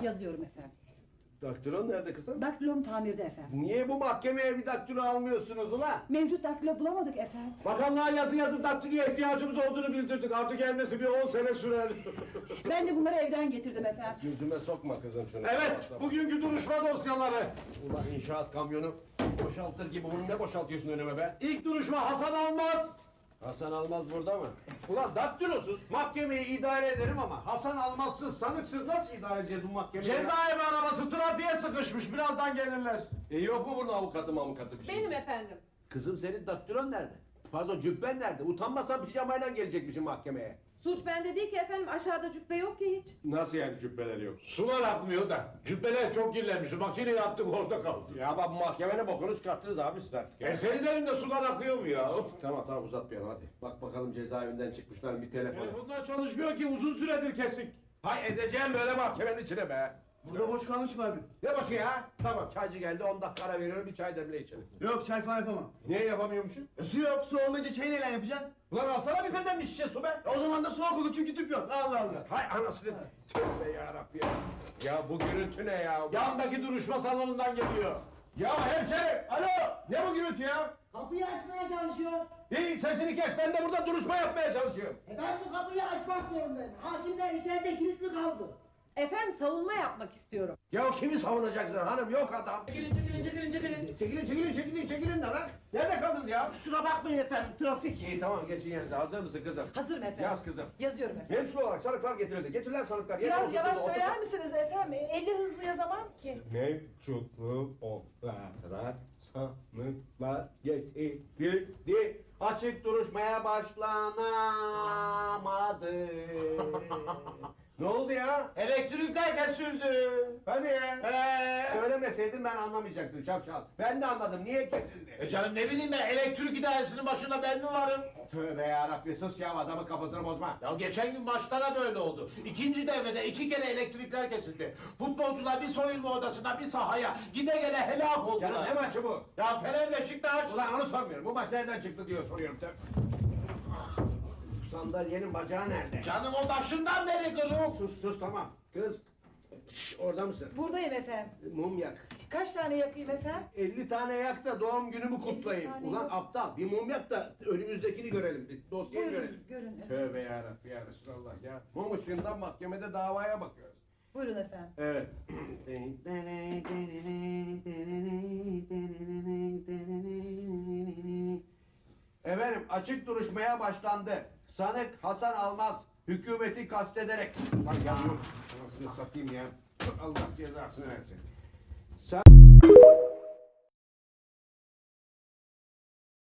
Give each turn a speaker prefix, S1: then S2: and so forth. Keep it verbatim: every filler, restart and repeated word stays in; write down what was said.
S1: Yazıyorum efendim.
S2: Daktilon nerede kızım?
S1: Daktilom tamirde efendim.
S2: Niye bu mahkemeye bir daktilo almıyorsunuz ulan?
S1: Mevcut daktilo bulamadık efendim.
S3: Bakanlığa yazı yazıp daktiloya ihtiyacımız olduğunu bildirdik. Artık gelmesi bir on sene sürer.
S1: Ben de bunları evden getirdim efendim.
S2: Yüzüme sokma kızım şunu.
S3: Evet, bugünkü duruşma dosyaları.
S2: Ulan inşaat kamyonu boşaltır gibi bunu ne boşaltıyorsun önüme be?
S3: İlk duruşma Hasan Almaz.
S2: Hasan Almaz burada mı? Ulan daktilosuz mahkemeyi idare ederim ama Hasan Almazsız, sanıksız nasıl idare edeceğiz bu mahkemeyi?
S3: Cezaevi arabası trafiğe sıkışmış. Birazdan gelirler.
S2: E yok mu burada avukatı avukatı bir şey?
S4: Benim efendim.
S2: Kızım senin daktilon nerede? Pardon cübben nerede? Utanmasan pijamayla gelecekmişsin mahkemeye.
S4: Suç bende değil ki efendim. Aşağıda cübbe yok ki hiç.
S2: Nasıl yani cübbeleri yok?
S3: Sular akmıyor da. Cübbeler çok kirlenmişti. Makineyi attık orada kaldı.
S2: Ya bak bu mahkemenin bokunu çıkarttınız abi siz artık.
S3: E senin elinde sular akıyor mu ya?
S2: Tamam tamam uzatmayalım hadi. Bak bakalım cezaevinden çıkmışlar bir telefon.
S3: Telefonlar çalışmıyor ki uzun süredir kesik.
S2: Hay edeceğim böyle mahkemenin içine be.
S5: Burada boş kalmış var bir.
S2: Ne boşu ya? Tamam çaycı geldi on dakika ara veriyorum bir çay demle içelim.
S5: Yok çay falan yapamam.
S2: Niye yapamıyormuşum?
S5: E, su yok, su olmayınca çayı neyle yapacaksın?
S2: Ulan alsana bir pedem bir şişe su be.
S5: E, o zaman da soğuk olur çünkü tüp yok. Allah Allah.
S2: Hay anasını. Tövbe yarabbi ya. Ya bu gürültü ne ya?
S3: Yandaki duruşma salonundan geliyor.
S2: Ya hemşerim alo. Ne bu gürültü ya?
S6: Kapıyı açmaya çalışıyor.
S2: İyi sesini kes ben de burada duruşma yapmaya çalışıyorum.
S6: E ben bu kapıyı açmak zorundayım. Hakimler içeride kilitli kaldı.
S4: Efendim savunma yapmak istiyorum.
S2: Ya kimi savunacaksın hanım yok adam.
S1: Çekilin çekilin çekilin çekilin.
S2: Çekilin çekilin çekilin çekilin de lan. Nerede kaldınız ya?
S6: Kusura bakmayın efendim, trafik.
S2: İyi tamam geçin yerinize hazır mısın kızım?
S1: Hazırım efendim.
S2: Yaz kızım.
S1: Yazıyorum efendim.
S2: Hemşire olarak sanıklar getirildi. Getirilen sanıklar. yerine
S1: Biraz
S2: oturdu,
S1: yavaş
S2: oturdu.
S1: söyler misiniz efendim? Elli hızlı yazamam ki.
S2: Mevcutlu olarak sanıklar getirildi. Açık duruşmaya başlanamadı. Ne oldu ya?
S3: Elektrikler kesildi.
S2: Hadi ya.
S3: Ee?
S2: Söylemeseydin ben anlamayacaktım şapşal. Ben de anladım. Niye kesildi?
S3: E canım ne bileyim ben elektrik idaresinin başında ben mi varım?
S2: Tövbe yarabbi sus ya adamın kafasını bozma.
S3: Ya geçen gün maçta da böyle oldu. İkinci devrede iki kere elektrikler kesildi. Futbolcular bir soyunma odasına bir sahaya gide gele helak oldular.
S2: Canım ne maçı bu?
S3: Ya Fener Beşiktaş.
S2: Ulan onu sormuyorum. Bu maç nereden çıktı diyor soruyorum. Tövbe. Sandalyenin bacağı nerede?
S3: Canım o başından beri kırık.
S2: Sus sus tamam. Kız. Şş, orada mısın?
S1: Buradayım efendim.
S2: Mum yak.
S1: Kaç tane yakayım efendim?
S2: elli tane yak da doğum günümü kutlayayım.
S1: tane
S2: Ulan
S1: yok.
S2: aptal bir mum yak da önümüzdekini görelim. Bir dosyayı
S1: Buyurun
S2: görelim.
S1: görün efendim.
S2: Tövbe yarabbi ya Resulallah ya. Mum ışığından mahkemede davaya bakıyoruz.
S1: Buyurun efendim.
S2: Evet. Efendim açık duruşmaya başlandı. Sanık Hasan Almaz hükümeti kastederek... Bak yazıyorum. Anasını satayım ya. Allah cezasını versin. Sen...